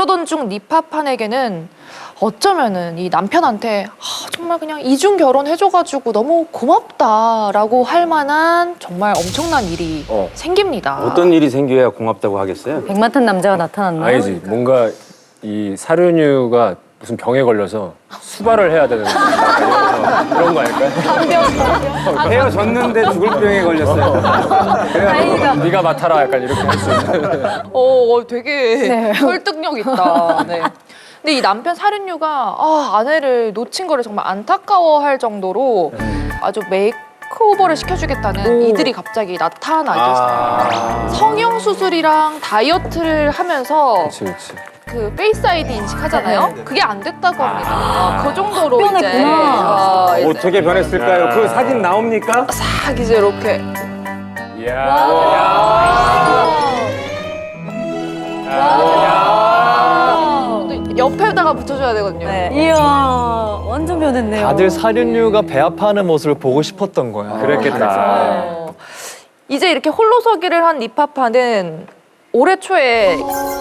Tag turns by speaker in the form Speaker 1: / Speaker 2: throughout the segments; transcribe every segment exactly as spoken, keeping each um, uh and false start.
Speaker 1: 그러던 중 니파판에게는 어쩌면은 이 남편한테 아, 정말 그냥 이중 결혼해줘가지고 너무 고맙다라고 할 만한 정말 엄청난 일이
Speaker 2: 어.
Speaker 1: 생깁니다.
Speaker 3: 어떤 일이 생겨야 고맙다고 하겠어요?
Speaker 4: 백마탄 남자가 나타났나요?
Speaker 2: 아니지. 뭔가 이 사륜유가 무슨 병에 걸려서 수발을 해야 되는 그런 거 아닐까요?
Speaker 3: 헤어졌는데 죽을 병에 걸렸어요.
Speaker 4: 다행이다.
Speaker 2: 네가 맡아라 약간 이렇게 할 수 있는.
Speaker 1: 어, 되게
Speaker 4: 네.
Speaker 1: 설득력 있다. 네. 근데 이 남편 사륜유가 아, 아내를 놓친 거를 정말 안타까워할 정도로 아주 메이크오버를 시켜주겠다는 이들이 갑자기 나타나기
Speaker 3: 아.
Speaker 1: 성형 수술이랑 다이어트를 하면서
Speaker 2: 그렇지, 그렇지.
Speaker 1: 그 페이스 아이디 인식하잖아요. 그게 안 됐다고 합니다.
Speaker 3: 아.
Speaker 1: 그 정도로 이제,
Speaker 4: 변했구나.
Speaker 1: 어, 이제
Speaker 3: 어떻게 변했을까요? 그 사진 나옵니까?
Speaker 1: 싹 이제 이렇게 옆에다가 붙여줘야 되거든요.
Speaker 4: 네. 이야, 완전 변했네요.
Speaker 5: 다들 사륜류가 배아파하는 모습을 보고 싶었던 거야.
Speaker 2: 그랬겠다.
Speaker 1: 어. 이제 이렇게 홀로서기를 한 니파파는 올해 초에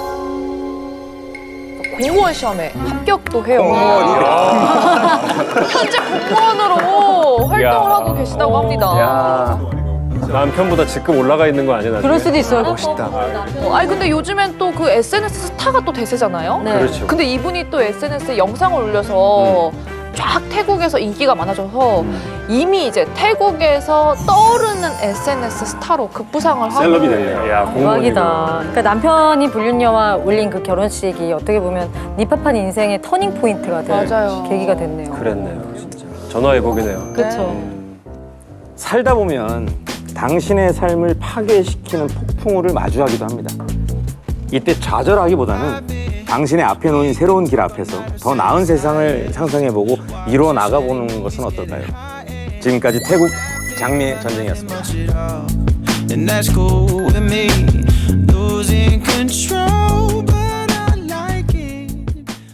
Speaker 1: 공무원 시험에 합격도 해요. 현재 공무원으로 활동을
Speaker 2: 야.
Speaker 1: 하고 계시다고 합니다.
Speaker 2: 야. 남편보다 직급 올라가 있는 거 아니야, 나중에?
Speaker 4: 그럴 수도 있어요.
Speaker 5: 멋있다.
Speaker 1: 어, 아니 근데 요즘엔 또 그 에스엔에스 스타가 또 대세잖아요.
Speaker 4: 네.
Speaker 2: 그렇죠.
Speaker 1: 근데 이분이 또 에스엔에스에 영상을 올려서 쫙 태국에서 인기가 많아져서 이미 이제 태국에서 떠오르는 에스엔에스 스타로 급부상을 하고
Speaker 3: 셀럽이 됐네요.
Speaker 2: 야, 공무원이고.
Speaker 4: 대박이다. 그러니까 남편이 불륜녀와 올린 그 결혼식이 어떻게 보면 니파판 인생의 터닝 포인트가 될
Speaker 1: 맞아요.
Speaker 4: 계기가 됐네요.
Speaker 2: 그랬네요, 진짜. 전화해보기네요.
Speaker 4: 그렇죠.
Speaker 3: 살다 보면 당신의 삶을 파괴시키는 폭풍우를 마주하기도 합니다. 이때 좌절하기보다는 당신의 앞에 놓인 새로운 길 앞에서 더 나은 세상을 상상해보고 이루어 나가보는 것은 어떨까요? 지금까지 태국 장미의 전쟁이었습니다.
Speaker 6: And that's cool with me.